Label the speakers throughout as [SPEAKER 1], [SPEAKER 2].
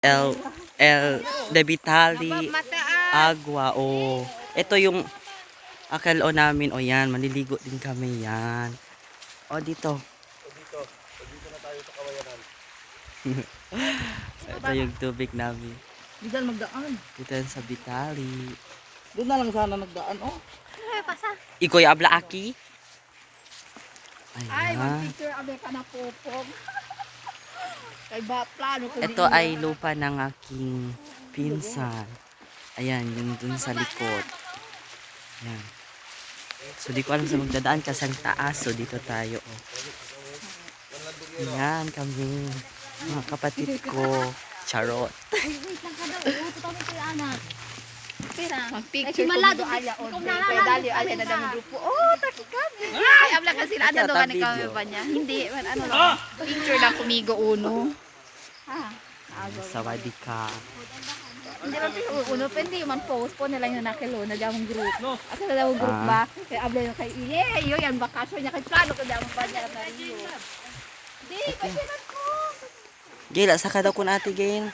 [SPEAKER 1] El De Vitali Agua. O, ito yung akalo namin. O yan, maliligo din kami yan. O dito.
[SPEAKER 2] Dito na tayo sa kawayanan.
[SPEAKER 1] Ito yung tubig namin.
[SPEAKER 3] Dito na magdaan.
[SPEAKER 1] Dito yan sa Vitali.
[SPEAKER 3] Doon na lang sana nagdaan, oh.
[SPEAKER 1] Ikoy abla aki.
[SPEAKER 4] Ay,
[SPEAKER 1] Ayan.
[SPEAKER 4] mag-picture abe ka na popog. Kay ba, plano ko
[SPEAKER 1] Ito ay lupa ng aking pinsan. Ayan, yun dun sa likod. Ayan. So, di ko alam sa magdadaan kasi ang taas. So, dito tayo. Oh. Ayan kami. Mga kapatid ko. Charot.
[SPEAKER 5] Ay, wait lang ka daw. Uto kami kayo, anak. Pera.
[SPEAKER 4] mag-picture ko
[SPEAKER 5] Malado,
[SPEAKER 4] dito aya
[SPEAKER 5] ikaw
[SPEAKER 4] on.
[SPEAKER 5] na
[SPEAKER 4] Kay
[SPEAKER 5] lang,
[SPEAKER 4] dali
[SPEAKER 5] kami
[SPEAKER 4] aya na
[SPEAKER 5] na.
[SPEAKER 4] dami grupo. Oh, taki kami. Ay, abla kasi ano
[SPEAKER 1] Ito,
[SPEAKER 4] do ka
[SPEAKER 1] video.
[SPEAKER 4] kami ba niya? Hindi, man ano lang. Picture lang kumigo uno. Ha.
[SPEAKER 1] Sawadee ka.
[SPEAKER 4] Hindi man picture uno, pwede man post po nila yung nakilo na damong group. Asa na damong group ba? Kay abla yung kay iye, iyo yan bakasyon niya kay plano ko damong ba niya na Rio. Di, pasinan ko.
[SPEAKER 1] Gila, saka daw kun ate gain.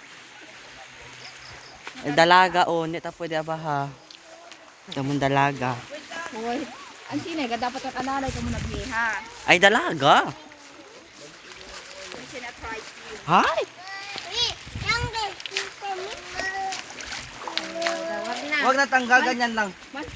[SPEAKER 1] Dalaga o, nita pwede abaha. Damon dalaga.
[SPEAKER 4] Hoy, ang sinay ka dapat ang analay ko muna biha.
[SPEAKER 1] Ay, dalaga.
[SPEAKER 4] Kasi na try to.
[SPEAKER 1] Hi!
[SPEAKER 4] Wag na.
[SPEAKER 3] Huwag na tanggal, ganyan lang.
[SPEAKER 4] Mas